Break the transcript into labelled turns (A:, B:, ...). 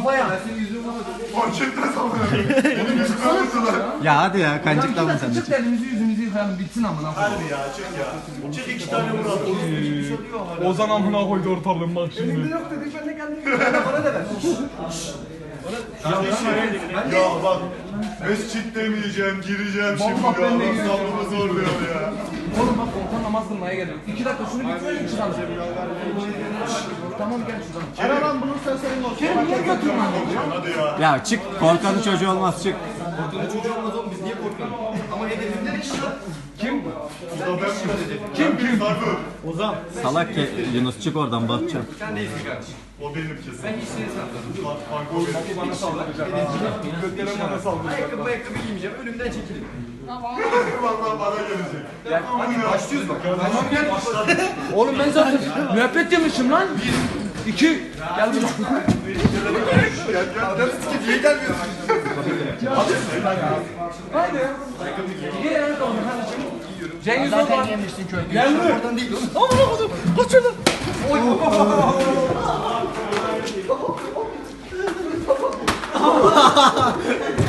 A: kafaya.
B: Manşetten sallıyor. Benim yüzümü vurdular.
C: Ya hadi ya kancıktan mı sen de
A: Çık
C: çık?
A: elimizi yüzümüzü yıkayalım bitsin amına.
B: Hadi ya çık ya. Çık 2 tane vuralım.
D: Ozan amına koydu ortalığın bak şimdi.
A: Yok dedik ben de geldim. Bana da ver.
B: Ya bak. Mescit demeyeceğim, gireceğim şimdi
A: Vallahi
B: ya.
A: ben de
B: Adam
A: gireceğim.
B: sabrımı zorluyor ya.
A: Oğlum bak orta namaz kılmaya geldim. 2 dakika şunu bitirelim çıkalım. Tamam gel şuradan. Ara lan bunu sen senin olsun. Kerim niye götürüyorsun lan?
B: Hadi ya.
C: Ya çık korkanın çocuğu olmaz çık.
B: Bu da ben kim? Sarı.
C: Salak ki Yunus çık oradan bakacağım.
B: O benim kesin. Ben hiç seni sanmıyorum. Bak o benim.
D: Bana saldıracak ha. Götlere bana saldıracak.
E: Ayakkabı giymeyeceğim. Önümden çekilin.
B: Vallahi bana gelecek.
E: Hadi başlıyoruz bak.
A: Oğlum ben zaten müebbet yemişim lan. 2 gel buraya.
E: Adam sikip niye gelmiyorsun?
A: Hadi. Gel ayakkabını hadi. Cengiz
E: Zaten
A: Okan.
E: yemiştin köyde. Gelme. Oradan değil oğlum.
A: Aman okudum. Kaçırdım. Oy.